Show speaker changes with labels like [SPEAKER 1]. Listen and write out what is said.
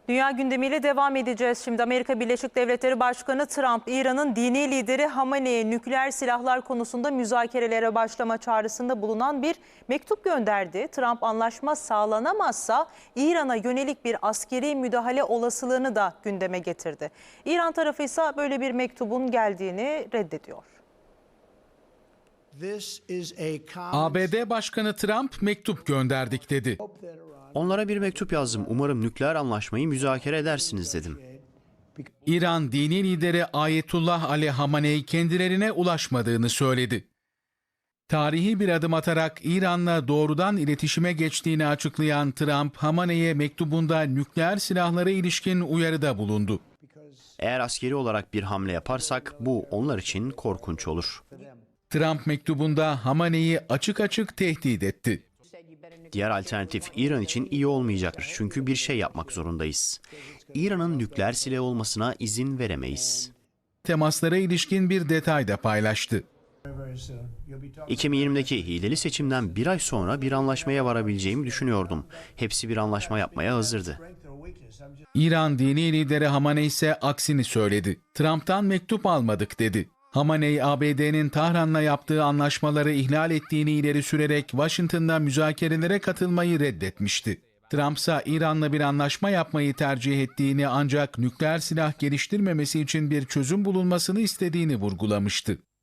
[SPEAKER 1] Dünya gündemiyle devam edeceğiz. Şimdi Amerika Birleşik Devletleri Başkanı Trump, İran'ın dini lideri Hamane'ye nükleer silahlar konusunda müzakerelere başlama çağrısında bulunan bir mektup gönderdi. Trump anlaşma sağlanamazsa İran'a yönelik bir askeri müdahale olasılığını da gündeme getirdi. İran tarafı ise böyle bir mektubun geldiğini reddediyor.
[SPEAKER 2] ABD Başkanı Trump mektup gönderdik dedi.
[SPEAKER 3] Onlara bir mektup yazdım. Umarım nükleer anlaşmayı müzakere edersiniz dedim.
[SPEAKER 2] İran dini lideri Ayetullah Ali Hamaney kendilerine ulaşmadığını söyledi. Tarihi bir adım atarak İran'la doğrudan iletişime geçtiğini açıklayan Trump, Hamaney'e mektubunda nükleer silahlara ilişkin uyarıda bulundu.
[SPEAKER 3] Eğer askeri olarak bir hamle yaparsak bu onlar için korkunç olur.
[SPEAKER 2] Trump mektubunda Hamaney'i açık açık tehdit etti.
[SPEAKER 3] Diğer alternatif İran için iyi olmayacaktır. Çünkü bir şey yapmak zorundayız. İran'ın nükleer silah olmasına izin veremeyiz.
[SPEAKER 2] Temaslara ilişkin bir detay da paylaştı.
[SPEAKER 3] 2020'deki hileli seçimden bir ay sonra bir anlaşmaya varabileceğimi düşünüyordum. Hepsi bir anlaşma yapmaya hazırdı.
[SPEAKER 2] İran dini lideri Hamaney ise aksini söyledi. Trump'tan mektup almadık dedi. Hamaney, ABD'nin Tahran'la yaptığı anlaşmaları ihlal ettiğini ileri sürerek Washington'da müzakerelere katılmayı reddetmişti. Trump ise İran'la bir anlaşma yapmayı tercih ettiğini ancak nükleer silah geliştirmemesi için bir çözüm bulunmasını istediğini vurgulamıştı.